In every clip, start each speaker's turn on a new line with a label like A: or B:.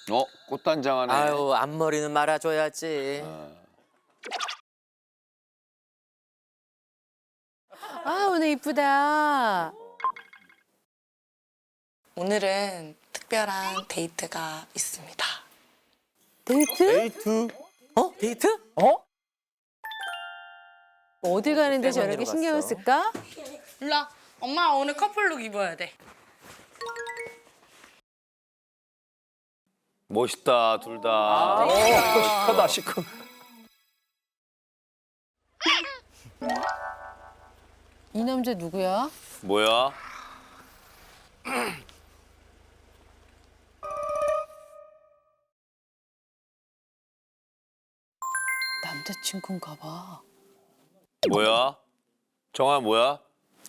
A: 꽃단장 하네.
B: 아유, 앞머리는 말아줘야지.
C: 아, 오늘 이쁘다.
D: 오늘은 특별한 데이트가 있습니다.
C: 데이트?
B: 어? 데이트?
C: 어디 가는데 저렇게
B: 때문에
C: 신경을
B: 들어갔어.
C: 쓸까?
D: 일로와. 엄마 오늘 커플룩 입어야 돼.
A: 멋있다, 둘 다. 시크다, 시크.
C: 이 남자 누구야?
A: 뭐야?
C: 남자친구인가 봐.
A: 뭐야? 정아 뭐야?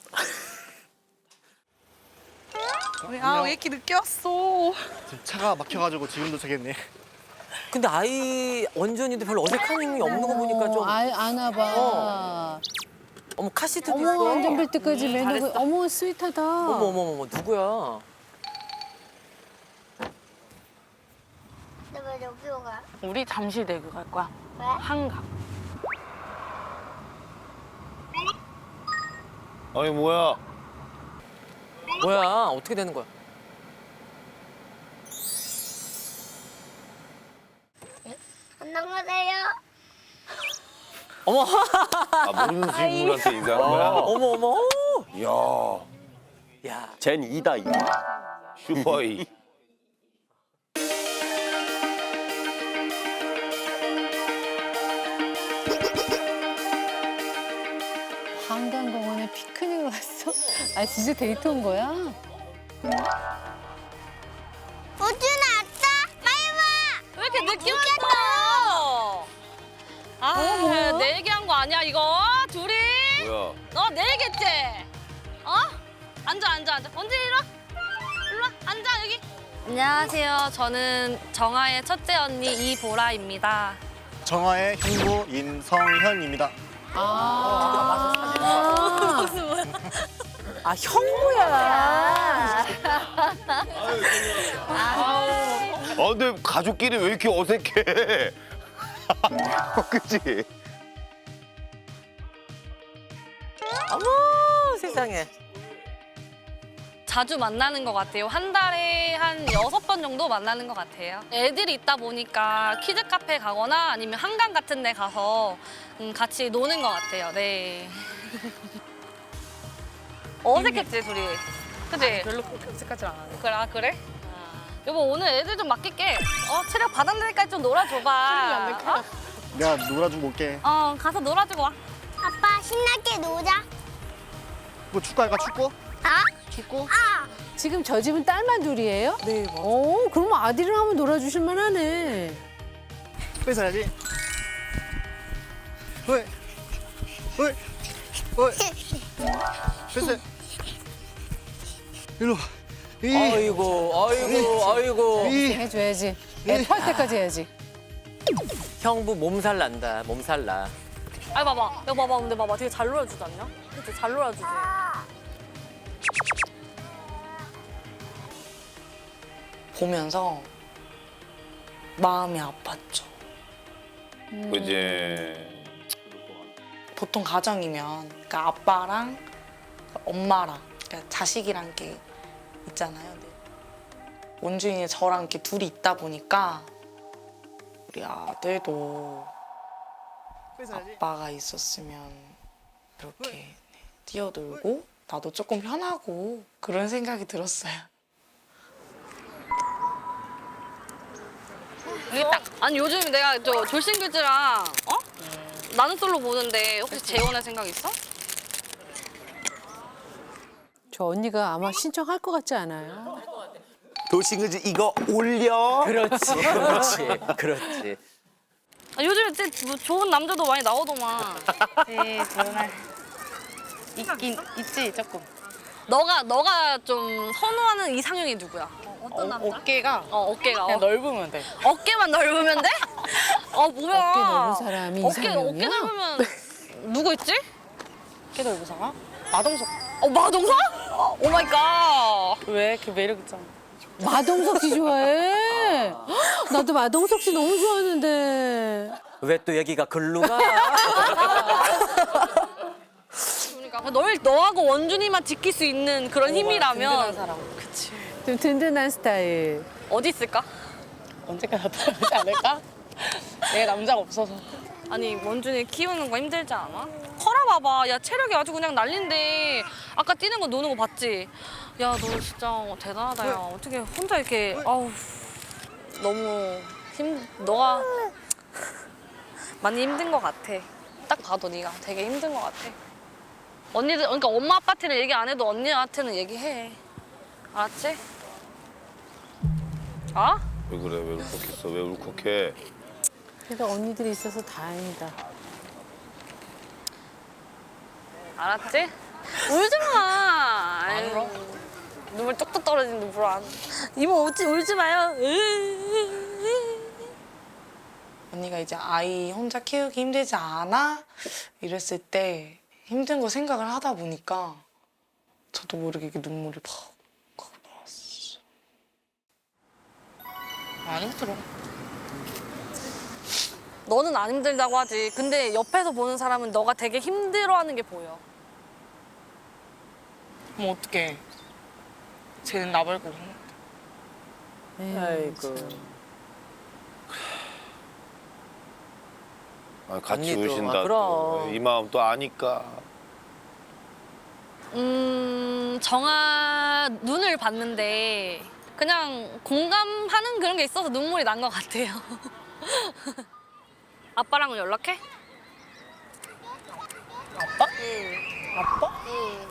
D: 아, 왜 이렇게 늦게 왔어?
E: 차가 막혀가지고 지금 도착했네.
B: 근데 아이 원준이도 별로 어색한 힘이 없는 거 보니까 좀.
C: 아나 봐.
B: 어머, 카시트도
C: 어머,
B: 있어.
C: 안전벨트까지 매너가.
B: 잘했어.
C: 어머, 스윗하다.
B: 어머, 누구야?
F: 근데 왜 여기로 가?
D: 우리 잠실대교 갈 거야.
F: 왜?
D: 한강.
A: 아니 뭐야?
B: 뭐야? 어떻게 되는 거야?
F: 안녕하세요.
B: 어머,
A: 아 모르는 친구한테 인사하는 거야?
B: 어머.
A: 야,
B: 야,
G: 젠 2다 2.
A: 슈퍼이.
C: 한강공원에 피크닉을 왔어? 아, 진짜 데이트 온 거야?
F: 우준아 왔다. 빨리 와.
H: 왜 이렇게 늦게 왔어? 아, 내 얘기한 거 아니야 이거? 둘이?
A: 뭐야?
H: 너 내 얘기했지? 어? 앉아. 언제 일로 와? 일로 와, 앉아 여기. 안녕하세요. 저는 정아의 첫째 언니 이보라입니다.
E: 정화의 형부 임성현입니다.
C: 아, 형부야.
A: 아 근데 가족끼리 왜 이렇게 어색해? 그치?
B: 어머, 세상에.
H: 자주 만나는 것 같아요. 한 달에 한 6번 정도 만나는 것 같아요. 애들이 있다 보니까 키즈 카페 가거나 아니면 한강 같은 데 가서 같이 노는 것 같아요. 네. 어색했지, 둘이. 그치?
D: 별로 그렇게 어색하지 않아.
H: 그래, 그래? 여보, 오늘 애들 좀 맡길게. 체력 바닥날까지 좀 놀아줘봐.
E: 내가 놀아주고 올게.
H: 가서 놀아주고 와.
F: 아빠 신나게 놀자.
E: 뭐 축구 할까 축구?
F: 아?
E: 축구?
C: 지금 저 집은 딸만 둘이에요? 네, 맞아. 그러면 아들이랑 한번 놀아주실 만하네.
E: 뺏어야지. 왜? 뺏어. 일로 와.
B: 아이고.
C: 해줘야지. 애 펄 때까지 해야지.
B: 형부 몸살 난다, 몸살 나.
H: 아이, 봐봐. 야, 봐봐. 근데 봐봐. 되게 잘 놀아주지 않냐? 그치? 잘 놀아주지.
D: 보면서 마음이 아팠죠.
A: 그지.
D: 보통 가정이면 그러니까 아빠랑 엄마랑 그러니까 자식이란 게 있잖아요. 네. 원준이 저랑 이렇게 둘이 있다 보니까 우리 아들도
E: 뺏어야지.
D: 아빠가 있었으면 이렇게 네, 뛰어놀고 나도 조금 편하고 그런 생각이 들었어요.
H: 이게 딱. 아니, 요즘 내가 저 졸신규즈랑, 나는 솔로 보는데 혹시 재혼할 생각 있어?
C: 저 언니가 아마 신청할 것 같지 않아요?
G: 도싱그즈 이거 올려.
B: 그렇지.
H: 요즘에 진짜 뭐 좋은 남자도 많이 나오더만.
D: 네, 정말 있긴 있지 조금.
H: 너가 좀 선호하는 이상형이 누구야? 어떤 남자?
D: 어깨가
H: 어깨가.
D: 그냥 넓으면 돼.
H: 어깨만 넓으면 돼? 뭐야.
C: 어깨 넓은 사람이
H: 어깨
C: 이상형이야?
H: 넓으면 누구 있지?
D: 어깨 넓은 사람? 마동석.
H: 마동석? 오 마이 갓.
D: 왜? 그 매력 있잖아.
C: 마동석 씨 좋아해? 나도 마동석 씨 너무 좋아하는데.
B: 왜 또 얘기가 글로 가?
H: 그러니까 너하고 원준이만 지킬 수 있는 그런 힘이라면 그치.
C: 좀 든든한 스타일.
H: 어디 있을까?
D: 언제까 나타나지 않을까? 내 남자가 없어서.
H: 아니 원준이 키우는 거 힘들지 않아? 커라 봐봐. 야 체력이 아주 그냥 난린데 아까 뛰는 거 노는 거 봤지? 야 너 진짜 대단하다. 야 어떻게 혼자 이렇게 아우 너무 너가 많이 힘든 거 같아. 딱 봐도 네가 되게 힘든 거 같아. 언니들 그러니까 엄마 아빠한테는 얘기 안 해도 언니한테는 얘기해. 알았지? 아?
A: 왜 그래? 왜 울컥했어? 왜 울컥해?
C: 그래도 언니들이 있어서 다행이다.
H: 알았지? 울지 마. 안 울어? 눈물 뚝뚝 떨어지는 눈물 안. 이모 울지 마요.
D: 언니가 이제 아이 혼자 키우기 힘들지 않아? 이랬을 때 힘든 거 생각을 하다 보니까 저도 모르게 이렇게 눈물이 팍 나왔어. 안 힘들어.
H: 너는 안 힘들다고 하지. 근데 옆에서 보는 사람은 너가 되게 힘들어하는 게 보여.
D: 그럼 어떡해. 쟤는 나 말고.
B: 아이고.
A: 아, 같이
B: 언니도,
A: 우신다.
B: 아, 그럼.
A: 이 마음 또 아니까.
H: 정아 눈을 봤는데 그냥 공감하는 그런 게 있어서 눈물이 난 것 같아요. 아빠랑은 연락해?
D: 아빠?
H: 아빠? 응.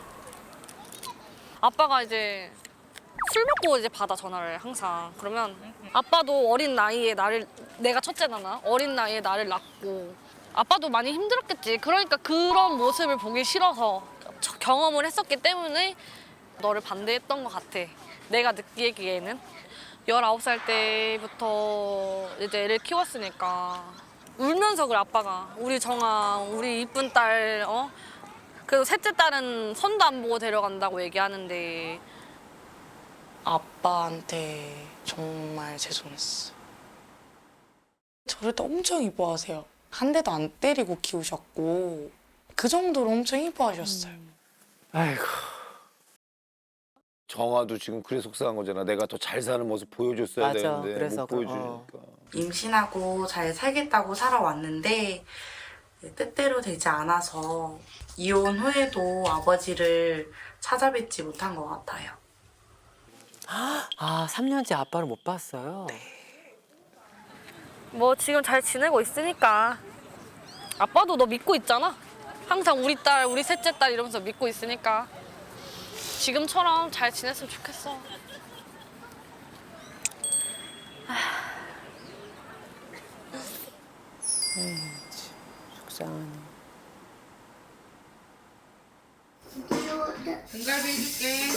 H: 아빠가 이제 술 먹고 이제 받아 전화를 항상. 그러면 아빠도 어린 나이에 내가 첫째잖아. 어린 나이에 나를 낳고 아빠도 많이 힘들었겠지. 그러니까 그런 모습을 보기 싫어서 경험을 했었기 때문에 너를 반대했던 것 같아. 내가 느끼기에는 19살 때부터 이제 애를 키웠으니까 울면서 그래 아빠가. 우리 정아, 우리 이쁜 딸 그래도 셋째 딸은 손도 안 보고 데려간다고 얘기하는데
D: 아빠한테 정말 죄송했어. 저를 또 엄청 이뻐하세요. 한 대도 안 때리고 키우셨고 그 정도로 엄청 이뻐하셨어요.
A: 아이고. 정아도 지금 그래 속상한 거잖아. 내가 더 잘 사는 모습 보여줬어야
B: 맞아,
A: 되는데
B: 그래서
A: 못 보여주니까.
D: 임신하고 잘 살겠다고 살아왔는데 뜻대로 되지 않아서 이혼 후에도 아버지를 찾아뵙지 못한 것 같아요.
B: 아, 3년째 아빠를 못 봤어요.
H: 뭐 지금 잘 지내고 있으니까 아빠도 너 믿고 있잖아. 항상 우리 딸, 우리 셋째 딸 이러면서 믿고 있으니까 지금처럼 잘 지냈으면 좋겠어.
C: 속상하네.
D: 등갈비 해줄게.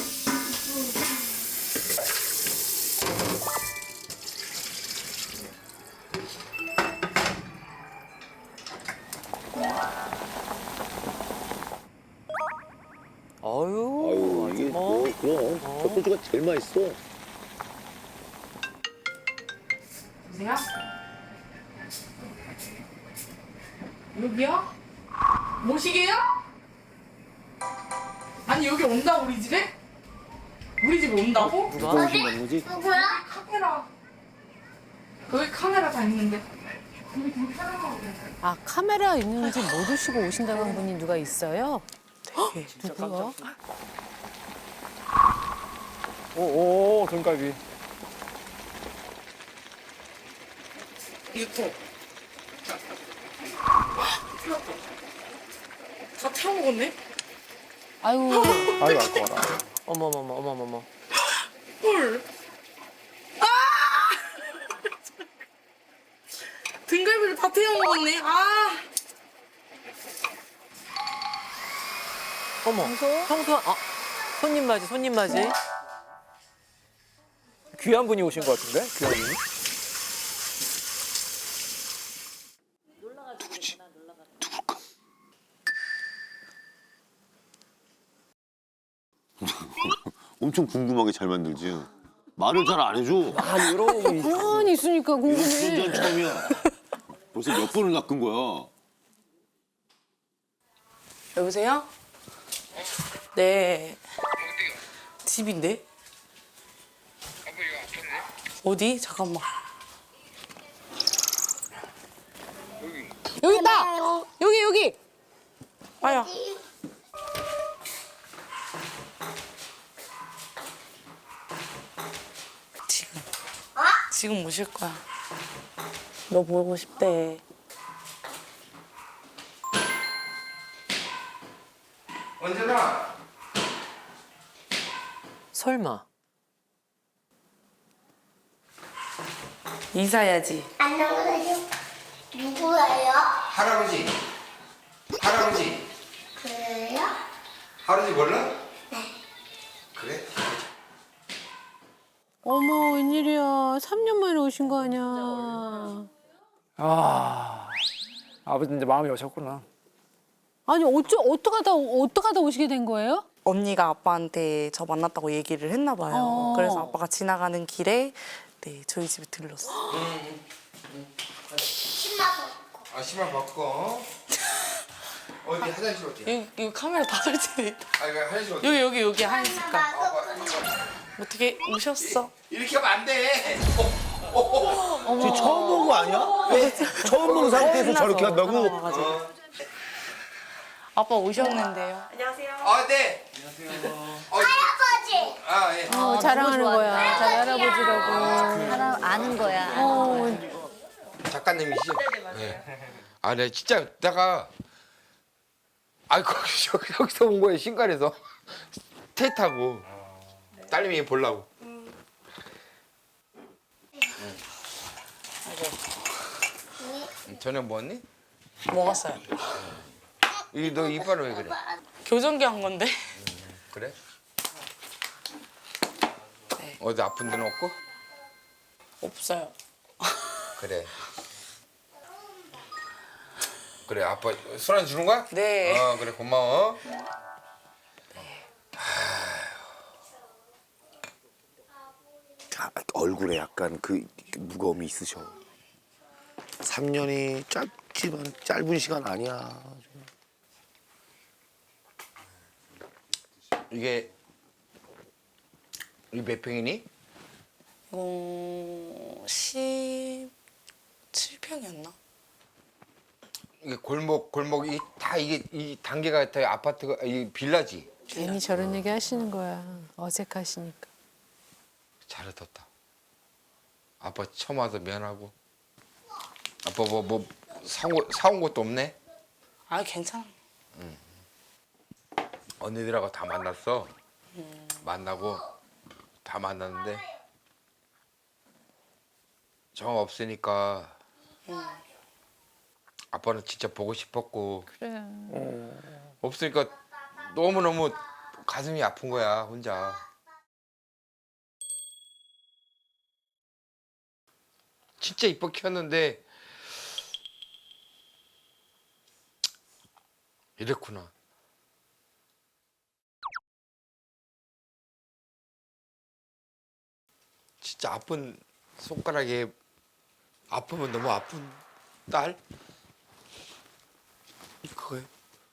B: 어유.
G: 이게 그럼 젖소주가 제일 맛있어.
D: 보세요. 여기요? 모시게요? 아니 여기 온다 우리 집에? 우리 집에 온다고?
G: 누가 오신다는 거지?
F: 누구야?
D: 카메라. 여기 카메라 다 있는데.
C: 아, 카메라 있는지 모르시고 오신다는 분이 누가 있어요? 누구야?
E: 오, 등갈비.
D: 유튜브. 다 태워 먹었네?
C: 아유,
E: 아이고, 아까워라.
B: 어머머머.
D: 헐. 아! 등갈비를 다 태워 먹었네. 아.
B: 어머. 평소 손님 맞이.
A: 귀한 분이 오신 것 같은데? 귀한 분이?
G: 엄청 궁금하게 잘 만들지. 말을 잘 안 해줘.
B: 아니 이러고
C: 가만히 있으니까
G: 이런
C: 궁금해.
G: 출연 처음이야. 벌써 몇 번을 낚은 거야.
D: 여보세요? 네. 집인데? 어디? 잠깐만.
C: 여기 있다. 여기.
D: 아야. 지금 오실 거야. 너 보고 싶대.
I: 언제나
B: 설마.
D: 인사해야지.
F: 안녕하세요. 누구예요?
I: 할아버지
F: 그래요?
I: 할아버지 몰라? 그래?
C: 어머 웬일이야. 3년 만에 오신 거 아니야.
E: 아, 아버지 이제 마음이 오셨구나.
C: 아니 어떡하다 오시게 된 거예요?
D: 언니가 아빠한테 저 만났다고 얘기를 했나 봐요.
C: 어.
D: 그래서 아빠가 지나가는 길에 네 저희 집에 들렀어.
I: 아 신발 바꿔. 어디 화장실 어디?
D: 여기 카메라 다 설치돼 있다.
I: 아 이거 화장실 어디?
D: 여기 한 색깔. 어떻게 오셨어?
I: 이렇게 하면 안 돼.
G: 지금 처음 본 거 아니야? 처음 본 상태에서 저렇게 한다고?
D: 아빠 오셨는데요.
I: 아 네.
F: 할아버지.
I: 아 예.
C: 자랑하는 거야. 자기 할아버지라고.
J: 사람 아는 거야.
I: 작가님이시죠? 네. 아, 네, 진짜 내가 여기서 온 거예요, 신갈에서 테이트하고 딸님이 보려고. 저녁 먹었니?
D: 먹었어요.
I: 너 이빨은 왜 그래?
D: 교정기 한 건데.
I: 그래?
D: 네.
I: 어디 아픈 데는 없고?
D: 없어요.
I: 그래. 그래, 아빠 술 안 주는 거야?
D: 네.
I: 그래, 고마워.
G: 얼굴에 약간 그 무거움이 있으셔. 3년이 짧지만 짧은 시간 아니야.
I: 이게 몇 평이니?
D: 17평이었나?
I: 이게 골목이 다 이게 이 단계가 다 아파트가 이 빌라지.
C: 괜히 저런 얘기 하시는 거야. 어색하시니까.
I: 잘해뒀다. 아빠 처음 와서 미안하고. 아빠 뭐 사온 것도 없네.
D: 아 괜찮아.
I: 언니들하고 다 만났어. 만나고 다 만났는데 정 없으니까 아빠는 진짜 보고 싶었고.
C: 그래.
I: 없으니까 너무너무 가슴이 아픈 거야 혼자. 진짜 이뻐 키웠는데 이랬구나. 진짜 아픈 손가락에 아프면 너무 아픈 딸? 그거예요.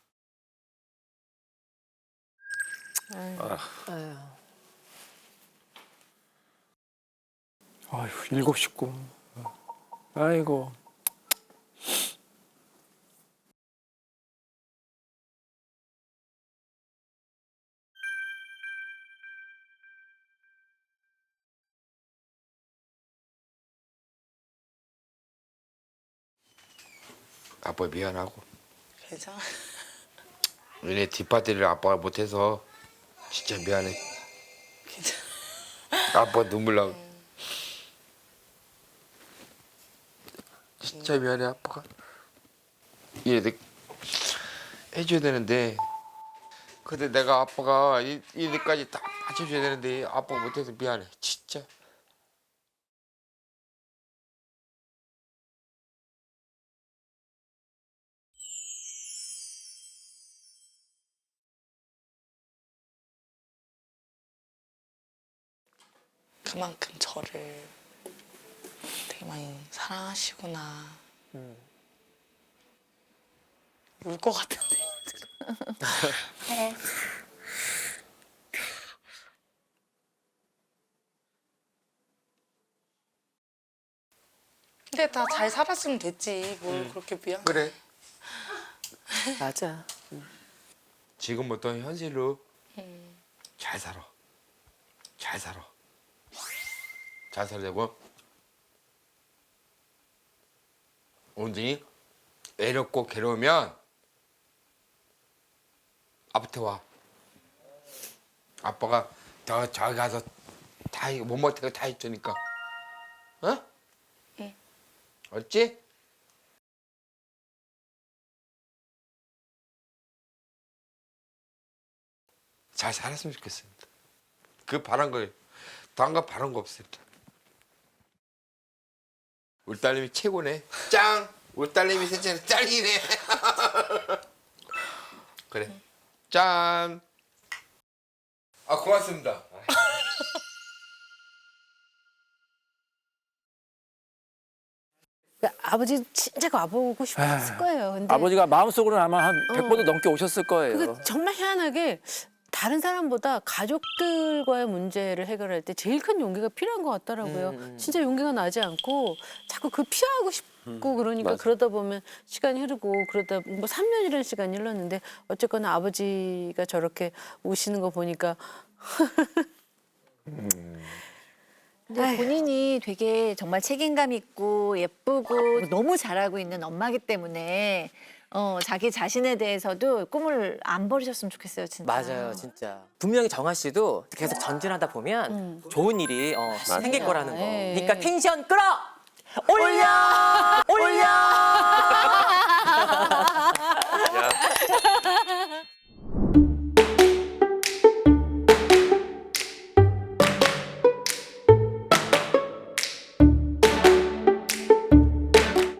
E: 아휴, 7 식구. 아이고.
I: 아빠 미안하고.
D: 괜찮아.
I: 얘네 뒷파티를 아빠가 못해서 진짜 미안해.
D: 괜찮아.
I: 아빠 눈물 나고. 진짜 미안해 아빠가. 얘네들 해줘야 되는데 근데 내가 아빠가 얘네까지 다 맞춰줘야 되는데 아빠가 못해서 미안해 진짜.
D: 그만큼 저를 되게 많이 사랑하시구나. 울 것 같은데. 근데 다 잘 살았으면 됐지. 뭘 그렇게 미안.
I: 그래.
B: 맞아.
I: 지금부터 현실로 잘 살아. 잘 살아. 잘 살려고. 언니 외롭고 괴로우면 아빠한테 와. 아빠가 저 저기 가서 다 못 못하고 다 해주니까. 어?
D: 응.
I: 알지? 잘 살았으면 좋겠습니다. 그 바란 거, 다른 거 바란 거 없습니다. 우리 딸님이 최고네. 짱! 우리 딸님이 셋째는 짱이네. 그래. 짠! 아, 고맙습니다.
C: 그러니까 아버지 진짜 와보고 싶었을 거예요. 근데
E: 아버지가 마음속으로는 아마 한 100번도 넘게 오셨을 거예요.
C: 그게 정말 희한하게 다른 사람보다 가족들과의 문제를 해결할 때 제일 큰 용기가 필요한 것 같더라고요. 진짜 용기가 나지 않고 자꾸 그 피하고 싶고 그러니까
B: 맞아.
C: 그러다 보면 시간이 흐르고 그러다 뭐 3년이라는 시간이 흘렀는데 어쨌거나 아버지가 저렇게 우시는 거 보니까
J: 근데 본인이 되게 정말 책임감 있고 예쁘고 너무 잘하고 있는 엄마기 때문에 자기 자신에 대해서도 꿈을 안 버리셨으면 좋겠어요, 진짜.
B: 맞아요, 진짜. 분명히 정아 씨도 계속 전진하다 보면 좋은 일이 생길 거라는 거.
C: 예.
B: 그러니까 텐션 끌어! 올려! 올려!